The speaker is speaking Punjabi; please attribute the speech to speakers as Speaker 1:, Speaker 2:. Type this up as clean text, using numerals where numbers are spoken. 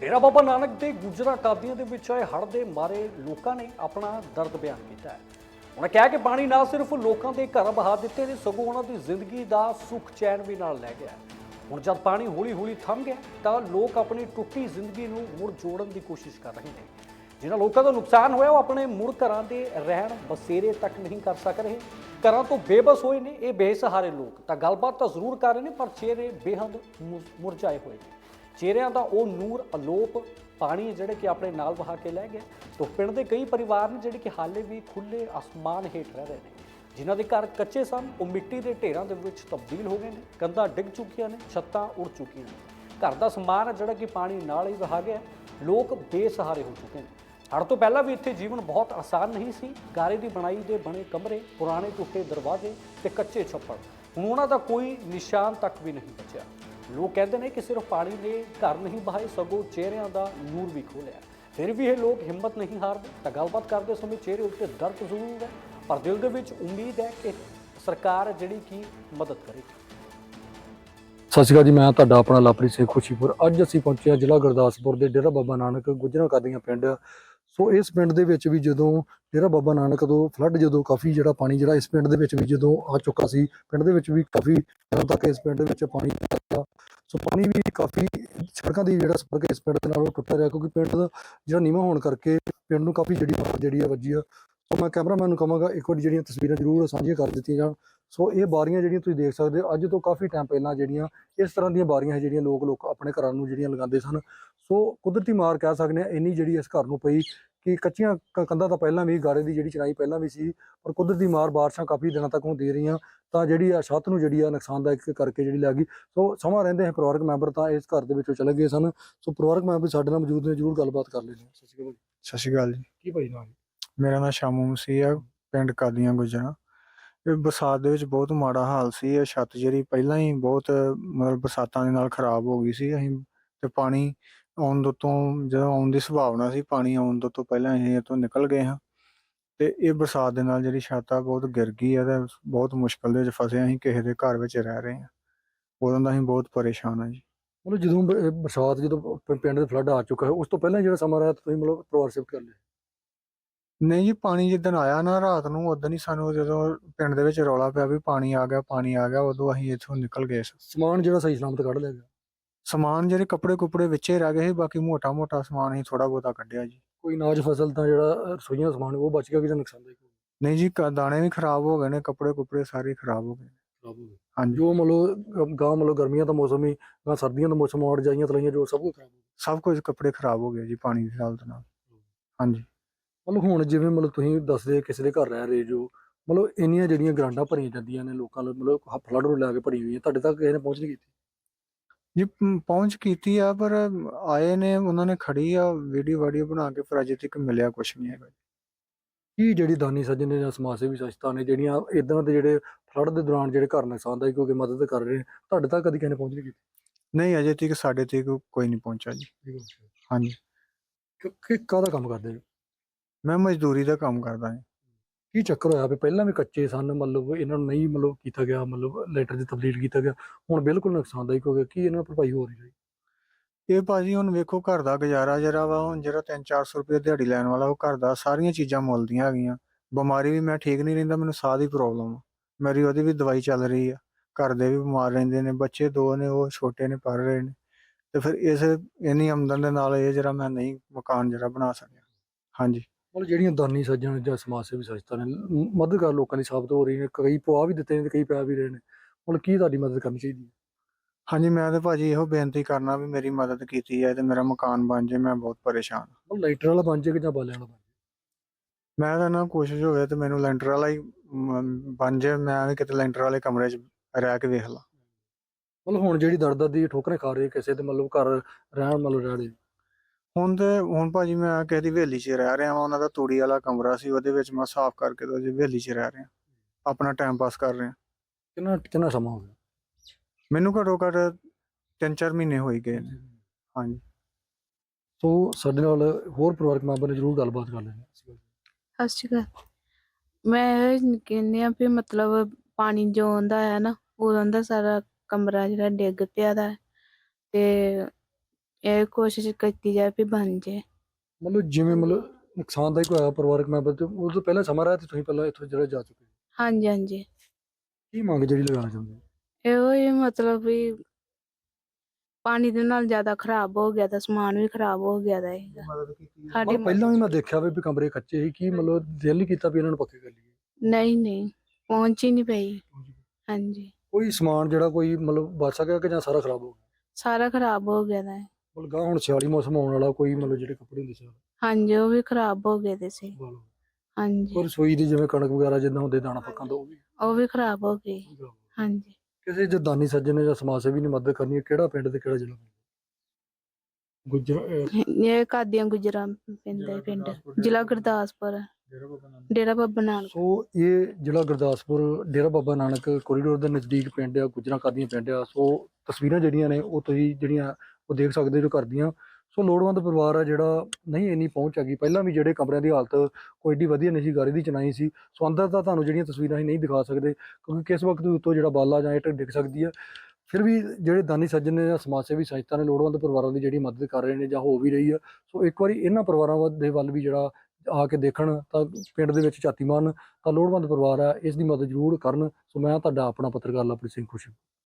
Speaker 1: डेरा बाबा नानक के गुजरा कादियां ਦੇ ਵਿੱਚ ਆਏ ਹੜ੍ਹ ਦੇ ਮਾਰੇ ਲੋਕਾਂ ਨੇ ਆਪਣਾ ਦਰਦ ਬਿਆਨ ਕੀਤਾ ਹੈ। ਉਹਨਾਂ ਕਿਹਾ ਕਿ ਪਾਣੀ ਨਾ ਸਿਰਫ ਲੋਕਾਂ ਦੇ ਘਰ ਬਹਾ ਦਿੱਤੇ ਨੇ, ਸਗੋਂ ਉਹਨਾਂ ਦੀ ਜ਼ਿੰਦਗੀ ਦਾ ਸੁੱਖ ਚੈਨ ਵੀ ਨਾਲ ਲੈ ਗਿਆ। ਹੁਣ ਜਦ ਪਾਣੀ ਹੌਲੀ-ਹੌਲੀ ਥੰਮ ਗਿਆ ਤਾਂ ਲੋਕ ਆਪਣੀ ਟੁੱਟੀ ਜ਼ਿੰਦਗੀ ਨੂੰ ਮੁੜ ਜੋੜਨ ਦੀ ਕੋਸ਼ਿਸ਼ ਕਰ ਰਹੇ ਨੇ। ਜਿਨ੍ਹਾਂ ਲੋਕਾਂ ਦਾ ਨੁਕਸਾਨ ਹੋਇਆ ਉਹ ਆਪਣੇ ਮੁੜ ਘਰਾਂ ਦੇ ਰਹਿਣ ਬਸੇਰੇ ਤੱਕ ਨਹੀਂ ਕਰ ਸਕ ਰਹੇ, ਘਰਾਂ ਤੋਂ ਬੇਬਸ ਹੋਏ ਨੇ। ਇਹ ਬੇਸਹਾਰੇ ਲੋਕ ਤਾਂ ਗੱਲਬਾਤ ਤਾਂ ਜ਼ਰੂਰ ਕਰ ਰਹੇ ਨੇ, ਪਰ ਚਿਹਰੇ ਬੇਹੱਦ ਮੁਰਝਾਏ ਹੋਏ ਨੇ। ਚਿਹਰਿਆਂ ਦਾ ਉਹ ਨੂਰ ਅਲੋਪ ਪਾਣੀ ਜਿਹੜੇ ਕਿ ਆਪਣੇ ਨਾਲ ਵਹਾ ਕੇ ਲੈ ਗਿਆ। ਤੋਂ ਪਿੰਡ ਦੇ ਕਈ ਪਰਿਵਾਰ ਨੇ ਜਿਹੜੇ ਕਿ ਹਾਲੇ ਵੀ ਖੁੱਲੇ ਅਸਮਾਨ ਹੇਠ ਰਹਿ ਰਹੇ ਨੇ। ਜਿਨ੍ਹਾਂ ਦੇ ਘਰ ਕੱਚੇ ਸਨ ਉਹ ਮਿੱਟੀ ਦੇ ਢੇਰਾਂ ਦੇ ਵਿੱਚ ਤਬਦੀਲ ਹੋ ਗਏ ਨੇ, ਕੰਧਾਂ ਡਿੱਗ ਚੁੱਕੀਆਂ ਨੇ, ਛੱਤਾਂ ਉੜ ਚੁੱਕੀਆਂ ਨੇ। ਘਰ ਦਾ ਸਮਾਨ ਹੈ ਜਿਹੜਾ ਕਿ ਪਾਣੀ ਨਾਲ ਹੀ ਵਹਾ ਗਿਆ। ਲੋਕ ਬੇਸਹਾਰੇ ਹੋ ਚੁੱਕੇ ਨੇ। ਹੜ੍ਹ ਤੋਂ ਪਹਿਲਾਂ ਵੀ ਇੱਥੇ ਜੀਵਨ ਬਹੁਤ ਆਸਾਨ ਨਹੀਂ ਸੀ। ਗਾਰੇ ਦੀ ਬਣਾਈ ਦੇ ਬਣੇ ਕਮਰੇ, ਪੁਰਾਣੇ ਟੁੱਟੇ ਦਰਵਾਜ਼ੇ ਤੇ ਕੱਚੇ ਛੱਪੜ, ਹੁਣ ਉਹਨਾਂ ਦਾ ਕੋਈ ਨਿਸ਼ਾਨ ਤੱਕ ਵੀ ਨਹੀਂ ਬਚਿਆ। ਲੋਕ ਕਹਿੰਦੇ ਨੇ ਕਿ ਸਿਰਫ ਪਾਣੀ ਨੇ ਘਰ ਨਹੀਂ ਬਹਾਏ, ਸਗੋਂ ਚਿਹਰਿਆਂ ਦਾ ਨੂਰ ਵੀ ਖੋਲਿਆ। ਫਿਰ ਵੀ ਇਹ ਲੋਕ ਹਿੰਮਤ ਨਹੀਂ ਹਾਰਦੇ। ਤਾਂ ਗੱਲਬਾਤ ਕਰਦੇ ਸਮੇਂ ਚਿਹਰੇ ਉੱਤੇ ਦਰਦ ਜ਼ਰੂਰ ਹੈ, ਪਰ ਦਿਲ ਦੇ ਵਿੱਚ ਉਮੀਦ ਹੈ ਕਿ ਸਰਕਾਰ ਜਿਹੜੀ ਕਿ ਮਦਦ ਕਰੇਗੀ।
Speaker 2: ਸਤਿ ਸ਼੍ਰੀ ਅਕਾਲ ਜੀ, ਮੈਂ ਤੁਹਾਡਾ ਆਪਣਾ ਲਵਪ੍ਰੀਤ ਸਿੰਘ ਖੁਸ਼ੀਪੁਰ। ਅੱਜ ਅਸੀਂ ਪਹੁੰਚੇ ਹਾਂ ਜ਼ਿਲ੍ਹਾ ਗੁਰਦਾਸਪੁਰ ਦੇ ਡੇਰਾ ਬਾਬਾ ਨਾਨਕ ਗੁਜਰਾਂ ਕਾਦੀਆਂ ਪਿੰਡ। ਸੋ ਇਸ ਪਿੰਡ ਦੇ ਵਿੱਚ ਵੀ ਜਦੋਂ ਡੇਰਾ ਬਾਬਾ ਨਾਨਕ ਤੋਂ ਫਲੱਡ ਜਦੋਂ ਕਾਫੀ ਜਿਹੜਾ ਪਾਣੀ ਜਿਹੜਾ ਇਸ ਪਿੰਡ ਦੇ ਵਿੱਚ ਵੀ ਜਦੋਂ ਆ ਚੁੱਕਾ ਸੀ, ਪਿੰਡ ਦੇ ਵਿੱਚ ਵੀ ਕਾਫੀ ਦਿਨਾਂ ਤੱਕ ਇਸ ਪਿੰਡ ਦੇ ਵਿੱਚ ਪਾਣੀ ਆਇਆ। ਸੋ ਪਾਣੀ ਵੀ ਕਾਫੀ ਸੜਕਾਂ ਦੀ ਜਿਹੜਾ ਸੰਪਰਕ ਇਸ ਪਿੰਡ ਦੇ ਨਾਲ ਉਹ ਟੁੱਟਿਆ ਰਿਹਾ, ਕਿਉਂਕਿ ਪਿੰਡ ਦਾ ਜਿਹੜਾ ਨੀਵਾਂ ਹੋਣ ਕਰਕੇ ਪਿੰਡ ਨੂੰ ਕਾਫੀ ਜਿਹੜੀ ਆ ਵੱਜੀ ਆ। ਸੋ ਮੈਂ ਕੈਮਰਾਮੈਨ ਨੂੰ ਕਹਾਂਗਾ ਇੱਕ ਵਾਰੀ ਜਿਹੜੀਆਂ ਤਸਵੀਰਾਂ ਜ਼ਰੂਰ ਸਾਂਝੀਆਂ ਕਰ ਦਿੱਤੀਆਂ ਜਾਣ। ਸੋ ਇਹ ਬਾਰੀਆਂ ਜਿਹੜੀਆਂ ਤੁਸੀਂ ਦੇਖ ਸਕਦੇ ਹੋ, ਅੱਜ ਤੋਂ ਕਾਫੀ ਟਾਈਮ ਪਹਿਲਾਂ ਜਿਹੜੀਆਂ ਇਸ ਤਰ੍ਹਾਂ ਦੀਆਂ ਬਾਰੀਆਂ ਜਿਹੜੀਆਂ ਲੋਕ ਆਪਣੇ ਘਰਾਂ ਨੂੰ ਜਿਹੜੀਆਂ ਲਗਾਉਂਦੇ ਸਨ। ਸੋ ਕੁਦਰਤੀ ਮਾਰ ਕਹਿ ਸਕਦੇ ਹਾਂ ਇੰਨੀ ਜਿਹੜੀ ਇਸ ਘਰ ਨੂੰ ਪਈ ਕਿ ਕੱਚੀਆਂ ਕੰਧਾਂ ਤਾਂ ਪਹਿਲਾਂ ਵੀ, ਗਾਰੇ ਦੀ ਜਿਹੜੀ ਚਿਣਾਈ ਪਹਿਲਾਂ ਵੀ ਸੀ, ਪਰ ਕੁਦਰਤੀ ਮਾਰ ਬਾਰਿਸ਼ਾਂ ਕਾਫੀ ਦਿਨਾਂ ਤੱਕ ਹੁਣ ਦੇ ਰਹੀਆਂ ਤਾਂ ਜਿਹੜੀ ਆ ਛੱਤ ਨੂੰ ਜਿਹੜੀ ਆ ਨੁਕਸਾਨਦਾਇਕ ਕਰਕੇ ਜਿਹੜੀ ਲੱਗ ਗਈ। ਸੋ ਸਮਾਂ ਰਹਿੰਦੇ ਹੈ ਪਰਿਵਾਰਕ ਮੈਂਬਰ ਤਾਂ ਇਸ ਘਰ ਦੇ ਵਿੱਚੋਂ ਚਲੇ ਗਏ ਸਨ। ਸੋ ਪਰਿਵਾਰਕ ਮੈਂਬਰ ਸਾਡੇ ਨਾਲ ਮੌਜੂਦ ਨੇ, ਜ਼ਰੂਰ ਗੱਲਬਾਤ ਕਰ ਲੈਂਦੇ ਹਾਂ। ਸਤਿ ਸ਼੍ਰੀ ਅਕਾਲ।
Speaker 3: ਸਤਿ ਸ਼੍ਰੀ ਅਕਾਲ ਜੀ।
Speaker 2: ਕੀ ਭਾਈ ਨਾਮ?
Speaker 3: ਮੇਰਾ ਨਾਮ ਸ਼ਾਮੂ ਮਸੀਹ ਆ, ਪਿੰਡ ਕਾਦੀਆਂ ਗੁਜਰਾਂ। ਇਹ ਬਰਸਾਤ ਦੇ ਵਿੱਚ ਬਹੁਤ ਮਾੜਾ ਹਾਲ ਸੀ। ਇਹ ਛੱਤ ਜਿਹੜੀ ਪਹਿਲਾਂ ਹੀ ਬਹੁਤ ਮਤਲਬ ਬਰਸਾਤਾਂ ਦੇ ਨਾਲ ਖਰਾਬ ਹੋ ਗਈ ਸੀ। ਅਸੀਂ ਤੇ ਪਾਣੀ ਆਉਣ ਤੋਂ ਜਦੋਂ ਆਉਣ ਦੀ ਸੰਭਾਵਨਾ ਸੀ, ਪਾਣੀ ਆਉਣ ਤੋਂ ਪਹਿਲਾਂ ਅਸੀਂ ਇਹ ਤੋਂ ਨਿਕਲ ਗਏ ਹਾਂ। ਤੇ ਇਹ ਬਰਸਾਤ ਦੇ ਨਾਲ ਜਿਹੜੀ ਛੱਤ ਆ ਬਹੁਤ ਗਿਰ ਗਈ ਆ ਤੇ ਬਹੁਤ ਮੁਸ਼ਕਲ ਦੇ ਵਿੱਚ ਫਸੇ। ਅਸੀਂ ਕਿਸੇ ਦੇ ਘਰ ਵਿੱਚ ਰਹਿ ਰਹੇ ਹਾਂ, ਉਦੋਂ ਦਾ ਅਸੀਂ ਬਹੁਤ ਪਰੇਸ਼ਾਨ ਹਾਂ ਜੀ।
Speaker 2: ਮਤਲਬ ਜਦੋਂ ਬਰਸਾਤ ਜਦੋਂ ਪਿੰਡ ਦੇ ਫਲੱਡ ਆ ਚੁੱਕਾ ਹੈ, ਉਸ ਤੋਂ ਪਹਿਲਾਂ ਜਿਹੜਾ ਸਮਾਂ ਰਿਹਾ ਤੁਸੀਂ ਮਤਲਬ ਪਰਿਵਾਰ ਸ਼ਿਫਟ ਕਰ ਲਿਆ?
Speaker 3: ਨਹੀਂ ਜੀ, ਪਾਣੀ ਜਿੱਦਣ ਆਇਆ ਨਾ ਰਾਤ ਨੂੰ, ਉਦੋਂ ਹੀ ਸਾਨੂੰ ਜਦੋਂ ਪਿੰਡ ਦੇ ਵਿੱਚ ਰੌਲਾ ਪਿਆ ਵੀ ਪਾਣੀ ਆ ਗਿਆ, ਉਦੋਂ ਅਸੀਂ ਇੱਥੋਂ ਨਿਕਲ ਗਏ।
Speaker 2: ਸਮਾਨ ਜਿਹੜਾ ਸਹੀ ਸਲਾਮਤ ਕੱਢ ਲਿਆ ਗਿਆ?
Speaker 3: ਸਮਾਨ ਜਿਹੜੇ ਕੱਪੜੇ ਕੁਪੜੇ ਵਿੱਚੇ ਰਹਿ ਗਏ ਸੀ, ਬਾਕੀ ਮੋਟਾ ਸਮਾਨ ਹੀ ਥੋੜਾ ਬਹੁਤਾ ਕੱਢਿਆ ਜੀ।
Speaker 2: ਕੋਈ ਅਨਾਜ ਫਸਲ ਤਾਂ ਜਿਹੜਾ ਰਸੋਈਆਂ ਦਾ ਸਮਾਨ ਉਹ ਬਚ ਗਿਆ ਕਿ ਜਾਂ ਨੁਕਸਾਨਦਾਇਕ ਹੋ ਗਿਆ?
Speaker 3: ਨਹੀਂ ਜੀ, ਦਾਣੇ ਵੀ ਖਰਾਬ ਹੋ ਗਏ ਨੇ, ਕੱਪੜੇ ਕੁਪੜੇ ਸਾਰੇ ਖਰਾਬ ਹੋ ਗਏ ਨੇ।
Speaker 2: ਖਰਾਬ ਹੋ ਗਏ?
Speaker 3: ਹਾਂਜੀ,
Speaker 2: ਜੋ ਮਤਲਬ ਗਾਂ ਮਤਲਬ ਗਰਮੀਆਂ ਦਾ ਮੌਸਮ ਹੀ ਗਾਂ ਸਰਦੀਆਂ ਦਾ ਮੌਸਮ ਆਉਣ ਜਾਈਆਂ ਤਲਾਈਆਂ ਜੋ ਸਭ ਕੁਝ ਖਰਾਬ ਹੋ ਗਿਆ?
Speaker 3: ਸਭ ਕੁਝ ਕੱਪੜੇ ਖਰਾਬ ਹੋ ਗਏ ਜੀ ਪਾਣੀ ਦੀ ਹਾਲਤ ਨਾਲ। ਹਾਂਜੀ,
Speaker 2: ਮਤਲਬ ਹੁਣ ਜਿਵੇਂ ਮਤਲਬ ਤੁਸੀਂ ਦੱਸਦੇ ਕਿਸੇ ਦੇ ਘਰ ਰਹਿ ਰਹੇ ਜੋ, ਮਤਲਬ ਇੰਨੀਆਂ ਜਿਹੜੀਆਂ ਗਰਾਂਡਾਂ ਭਰੀਆਂ ਜਾਂਦੀਆਂ ਨੇ ਲੋਕਾਂ ਨੂੰ, ਮਤਲਬ ਫਲੱਡ ਨੂੰ ਲੈ ਕੇ ਭਰੀ ਹੋਈਆਂ, ਤੁਹਾਡੇ ਤੱਕ ਕਿਸੇ ਨੇ ਪਹੁੰਚ ਨਹੀਂ ਕੀਤੀ?
Speaker 3: ਜੀ ਪਹੁੰਚ ਕੀਤੀ ਆ, ਪਰ ਆਏ ਨੇ, ਉਹਨਾਂ ਨੇ ਖੜੀ ਆ ਵੀਡੀਓ ਬਣਾ ਕੇ, ਪਰ ਅਜੇ ਤੱਕ ਮਿਲਿਆ ਕੁਛ ਨਹੀਂ ਹੈਗਾ।
Speaker 2: ਕੀ ਜਿਹੜੀ ਦਾਨੀ ਸੱਜਣ ਨੇ ਜਾਂ ਸਮਾਜ ਸੇਵੀ ਸੰਸਥਾ ਨੇ ਜਿਹੜੀਆਂ ਇਦਾਂ ਦੇ ਜਿਹੜੇ ਫਲੱਡ ਦੇ ਦੌਰਾਨ ਜਿਹੜੇ ਘਰ ਨੁਕਸਾਨਦਾਇਕ ਹੋ ਕੇ ਮਦਦ ਕਰ ਰਹੇ ਨੇ, ਤੁਹਾਡੇ ਤੱਕ ਕਦੀ ਕਿਸੇ ਨੇ ਪਹੁੰਚ ਨਹੀਂ ਕੀਤੀ?
Speaker 3: ਨਹੀਂ, ਅਜੇ ਤੱਕ ਸਾਡੇ ਤੱਕ ਕੋਈ ਨਹੀਂ ਪਹੁੰਚਾ ਜੀ। ਹਾਂਜੀ,
Speaker 2: ਕਿ ਕਾਹਦਾ ਕੰਮ ਕਰਦੇ?
Speaker 3: ਮੈਂ ਮਜ਼ਦੂਰੀ ਦਾ ਕੰਮ ਕਰਦਾ ਹਾਂ।
Speaker 2: ਕੀ ਚੱਕਰ ਹੋਇਆ ਵੀ ਪਹਿਲਾਂ ਵੀ ਕੱਚੇ ਸਨ, ਮਤਲਬ ਇਹਨਾਂ ਨੂੰ ਨਹੀਂ ਮਤਲਬ ਕੀਤਾ ਗਿਆ, ਮਤਲਬ ਲੈਟਰ 'ਚ ਤਬਦੀਲ ਕੀਤਾ ਗਿਆ, ਹੁਣ ਬਿਲਕੁਲ ਨੁਕਸਾਨਦਾਇਕ ਹੋ ਗਿਆ, ਕੀ ਇਹਨਾਂ ਭਰਪਾਈ ਹੋ ਰਹੀ ਹੈ?
Speaker 3: ਇਹ ਭਾਜੀ ਹੁਣ ਵੇਖੋ, ਘਰ ਦਾ ਗੁਜ਼ਾਰਾ ਜਿਹੜਾ ਵਾ, ਹੁਣ ਜਿਹੜਾ 300-400 ਰੁਪਏ ਦਿਹਾੜੀ ਲੈਣ ਵਾਲਾ, ਉਹ ਘਰ ਦਾ ਸਾਰੀਆਂ ਚੀਜ਼ਾਂ ਮੁੱਲ ਦੀਆਂ ਹੈਗੀਆਂ। ਬਿਮਾਰੀ ਵੀ ਮੈਂ ਠੀਕ ਨਹੀਂ ਰਹਿੰਦਾ, ਮੈਨੂੰ ਸਾਹ ਦੀ ਪ੍ਰੋਬਲਮ ਆ, ਮੇਰੀ ਉਹਦੀ ਵੀ ਦਵਾਈ ਚੱਲ ਰਹੀ ਆ। ਘਰ ਦੇ ਵੀ ਬਿਮਾਰ ਰਹਿੰਦੇ ਨੇ, ਬੱਚੇ 2 ਨੇ, ਉਹ ਛੋਟੇ ਨੇ, ਪੜ੍ਹ ਰਹੇ ਨੇ। ਤੇ ਫਿਰ ਇੰਨੀ ਆਮਦਨ ਦੇ ਨਾਲ ਇਹ ਜਿਹੜਾ ਮੈਂ ਨਹੀਂ ਮਕਾਨ ਜਿਹੜਾ ਬਣਾ ਸਕਿਆ। ਹਾਂਜੀ,
Speaker 2: ਮਤਲਬ ਜਿਹੜੀਆਂ ਦਾਨੀ ਸੱਜਣ ਜਾਂ ਸਮਾਜ ਸੇਵੀ ਸੰਸਥਾ ਨੇ ਮਦਦਗਾਰ ਲੋਕਾਂ ਦੀ ਸਾਬਤ ਹੋ ਰਹੀ ਨੇ, ਕਈ ਪਵਾ ਵੀ ਦਿੱਤੇ ਨੇ ਤੇ ਕਈ ਪੈ ਵੀ ਰਹੇ ਨੇ, ਹੁਣ ਕੀ ਤੁਹਾਡੀ ਮਦਦ ਕਰਨੀ ਚਾਹੀਦੀ ਹੈ?
Speaker 3: ਹਾਂਜੀ, ਮੈਂ ਤਾਂ ਭਾਜੀ ਇਹੋ ਬੇਨਤੀ ਕਰਨਾ ਵੀ ਮੇਰੀ ਮਦਦ ਕੀਤੀ ਜਾਏ ਤੇ ਮੇਰਾ ਮਕਾਨ ਬਣ ਜਾਏ। ਮੈਂ ਬਹੁਤ ਪਰੇਸ਼ਾਨ ਹਾਂ।
Speaker 2: ਮਤਲਬ ਲਾਈਟਰ ਵਾਲਾ ਬਣ ਜਾਏ ਕਿ ਜਾਂ ਬਾਲਿਆਂ ਵਾਲਾ ਬਣ ਜਾਏ?
Speaker 3: ਮੈਂ ਤਾਂ ਨਾ ਕੋਸ਼ਿਸ਼ ਹੋਵੇ ਤੇ ਮੈਨੂੰ ਲੈਂਟਰ ਵਾਲਾ ਹੀ ਬਣ ਜਾਏ। ਮੈਂ ਵੀ ਕਿਤੇ ਲੈਂਟਰ ਵਾਲੇ ਕਮਰੇ 'ਚ ਰਹਿ ਕੇ ਵੇਖ ਲਾਂ।
Speaker 2: ਮਤਲਬ ਹੁਣ ਜਿਹੜੀ ਦਰ ਦੀ ਠੋਕਰੇ ਖਾ ਰਹੇ ਕਿਸੇ ਤੇ ਮਤਲਬ ਘਰ ਰਹਿਣ ਮਤਲਬ ਰਹਿ ਰਹੇ?
Speaker 3: ਹੁਣ ਭਾਜੀ ਮੈਂ ਕਿਸੇ ਦੀ ਹਵੇਲੀ 'ਚ ਰਹਿ ਰਿਹਾ ਵਾਂ। ਉਹਨਾਂ ਦਾ ਤੂੜੀ ਵਾਲਾ ਕਮਰਾ ਸੀ, ਉਹਦੇ ਵਿੱਚ ਮੈਂ ਸਾਫ਼ ਕਰਕੇ ਤੇ ਉਹਦੀ ਹਵੇਲੀ 'ਚ ਰਹਿ ਰਿਹਾ, ਆਪਣਾ ਟਾਈਮ ਪਾਸ ਕਰ ਰਿਹਾ।
Speaker 2: ਕਿੰਨਾ ਸਮਾਂ ਹੋ ਗਿਆ?
Speaker 3: ਮੈਨੂੰ ਘੱਟੋ ਘੱਟ 3-4 ਮਹੀਨੇ ਹੋ ਹੀ ਗਏ ਨੇ। ਹਾਂਜੀ,
Speaker 2: ਸੋ ਸਾਡੇ ਨਾਲ ਹੋਰ ਪਰਿਵਾਰਕ ਮੈਂਬਰ ਨੇ ਜ਼ਰੂਰ ਗੱਲਬਾਤ ਕਰ ਲੈਣੀ।
Speaker 4: ਸਤਿ ਸ਼੍ਰੀ ਅਕਾਲ। ਮੈਂ ਇਹ ਕਹਿੰਦੀ ਆ ਵੀ ਮਤਲਬ ਪਾਣੀ ਜੋ ਆਉਂਦਾ ਹੈ ਨਾ, ਉਦੋਂ ਦਾ ਸਾਰਾ ਕਮਰਾ ਜਿਹੜਾ ਡਿੱਗ ਪਿਆ ਦਾ ਤੇ ਇਹ ਕੋਸ਼ਿਸ਼ ਕੀਤੀ ਜਾਏ ਵੀ ਬਣ ਜੇ।
Speaker 2: ਮਤਲਬ ਜਿਵੇਂ ਮਤਲਬ ਨੁਕਸਾਨਦਾਇਕ ਹੋਇਆ ਪਰਿਵਾਰਕ ਮੈਂਬਰ ਤੇ ਉਸ ਤੋਂ ਪਹਿਲਾਂ ਸਮਾਂ ਰਿਹਾ ਤੇ ਤੁਸੀਂ ਪਹਿਲਾਂ ਇੱਥੋਂ ਜਿਹੜਾ ਜਾ ਚੁੱਕੇ ਹੋ।
Speaker 4: ਹਾਂਜੀ ਹਾਂਜੀ,
Speaker 2: ਕੀ ਮੰਗ ਜਿਹੜੀ ਲਗਾਉਣਾ ਚਾਹੁੰਦੇ ਹੋ?
Speaker 4: ਇਹੋ ਹੀ ਮਤਲਬ ਵੀ ਪਾਣੀ ਦੇ ਨਾਲ ਜ਼ਿਆਦਾ ਖਰਾਬ ਹੋ ਗਿਆ ਤਾਂ ਸਮਾਨ ਵੀ ਖਰਾਬ ਹੋ ਗਿਆ ਦਾ ਹੈਗਾ। ਸਾਡੀ
Speaker 2: ਮਤਲਬ ਪਹਿਲਾਂ ਵੀ ਮੈਂ ਦੇਖਿਆ ਵੀ ਕਮਰੇ ਕੱਚੇ ਸੀ, ਕੀ ਮਤਲਬ ਦਿਲ ਨਹੀਂ ਕੀਤਾ ਵੀ ਇਹਨਾਂ ਨੂੰ ਪੱਕੇ ਕਰ ਲਈਏ?
Speaker 4: ਨਹੀਂ ਨਹੀਂ, ਪਹੁੰਚ ਹੀ ਨਹੀਂ ਪਈ। ਹਾਂਜੀ,
Speaker 2: ਕੋਈ ਸਮਾਨ ਜਿਹੜਾ ਕੋਈ ਮਤਲਬ ਬਚ ਸਕਿਆ ਕਿ ਜਾਂ ਸਾਰਾ ਖਰਾਬ ਹੋ ਗਿਆ?
Speaker 4: ਸਾਰਾ ਖਰਾਬ ਹੋ ਗਿਆ ਦਾ ਹੈ।
Speaker 2: ਮਤਲਬ ਗਾਂ ਹੁਣ ਸਿਆਲੀ ਮੌਸਮ ਆਉਣ ਵਾਲਾ, ਕੋਈ ਮਤਲਬ ਜਿਹੜੇ ਕੱਪੜੇ ਹੁੰਦੇ ਸੀ
Speaker 4: ਹਾਂਜੀ, ਉਹ ਵੀ ਖਰਾਬ ਹੋ ਗਏ ਦੇ ਸੀ।
Speaker 2: ਵਾਲੋ,
Speaker 4: ਹਾਂਜੀ,
Speaker 2: ਪਰ ਰਸੋਈ ਦੀ ਜਿਵੇਂ ਕਣਕ ਵਗੈਰਾ ਜਿੱਦਾਂ ਹੁੰਦੇ ਦਾਣਾ ਪੱਕਾਂ ਤੋਂ
Speaker 4: ਉਹ ਵੀ ਖਰਾਬ ਹੋ ਗਈ। ਹਾਂਜੀ,
Speaker 2: ਕਿਸੇ ਜੇ ਦਾਨੀ ਸੱਜਣ ਨੇ ਜਾਂ ਸਮਾਜ ਸੇਵੀ ਨੇ ਮਦਦ ਕਰਨੀ ਹੈ, ਕਿਹੜਾ ਪਿੰਡ ਤੇ ਕਿਹੜਾ ਜ਼ਿਲ੍ਹਾ?
Speaker 4: ਇਹ ਕਾਦੀਆਂ ਗੁਜਰਾਂ ਪੈਂਦਾ ਪਿੰਡ, ਜ਼ਿਲ੍ਹਾ ਗੁਰਦਾਸਪੁਰ, ਡੇਰਾ ਬਾਬਾ ਨਾਨਕ।
Speaker 2: ਸੋ ਇਹ ਜ਼ਿਲ੍ਹਾ ਗੁਰਦਾਸਪੁਰ ਡੇਰਾ ਬਾਬਾ ਨਾਨਕ ਕੋਰੀਡੋਰ ਦੇ ਨਜ਼ਦੀਕ ਪਿੰਡ ਆ, ਗੁਜਰਾਂ ਕਾਦੀਆਂ ਪਿੰਡ ਆ। ਸੋ ਤਸਵੀਰਾਂ ਜਿਹੜੀਆਂ ਨੇ ਉਹ ਤੁਸੀਂ ਜਿਹੜੀਆਂ ਉਹ ਦੇਖ ਸਕਦੇ ਜੋ ਘਰ ਦੀਆਂ। ਸੋ ਲੋੜਵੰਦ ਪਰਿਵਾਰ ਆ ਜਿਹੜਾ ਨਹੀਂ ਇੰਨੀ ਪਹੁੰਚ ਹੈਗੀ। ਪਹਿਲਾਂ ਵੀ ਜਿਹੜੇ ਕਮਰਿਆਂ ਦੀ ਹਾਲਤ ਕੋਈ ਏਡੀ ਵਧੀਆ ਨਹੀਂ ਸੀ, ਗਾਰੇ ਦੀ ਚਿਣਾਈ ਸੀ। ਸੋ ਅੰਦਰ ਤਾਂ ਤੁਹਾਨੂੰ ਜਿਹੜੀਆਂ ਤਸਵੀਰਾਂ ਅਸੀਂ ਨਹੀਂ ਦਿਖਾ ਸਕਦੇ ਕਿਉਂਕਿ ਕਿਸ ਵਕਤ ਉੱਤੋਂ ਜਿਹੜਾ ਬਾਲਾ ਜਾਂ ਇੱਟ ਡਿੱਗ ਸਕਦੀ ਹੈ। ਫਿਰ ਵੀ ਜਿਹੜੇ ਦਾਨੀ ਸੱਜਣ ਨੇ ਜਾਂ ਸਮਾਜ ਸੇਵੀ ਸੰਸਥਾ ਨੇ ਲੋੜਵੰਦ ਪਰਿਵਾਰਾਂ ਦੀ ਜਿਹੜੀ ਮਦਦ ਕਰ ਰਹੇ ਨੇ ਜਾਂ ਹੋ ਵੀ ਰਹੀ ਆ। ਸੋ ਇੱਕ ਵਾਰੀ ਇਹਨਾਂ ਪਰਿਵਾਰਾਂ ਦੇ ਵੱਲ ਵੀ ਜਿਹੜਾ ਆ ਕੇ ਦੇਖਣ ਤਾਂ ਪਿੰਡ ਦੇ ਵਿੱਚ ਝਾਤੀ ਮਾਰਨ ਤਾਂ ਲੋੜਵੰਦ ਪਰਿਵਾਰ ਆ, ਇਸ ਦੀ ਮਦਦ ਜ਼ਰੂਰ ਕਰਨ। ਸੋ ਮੈਂ ਤੁਹਾਡਾ ਆਪਣਾ ਪੱਤਰਕਾਰ ਲਵਪ੍ਰੀਤ ਸਿੰਘ ਖੁਸ਼ੀ।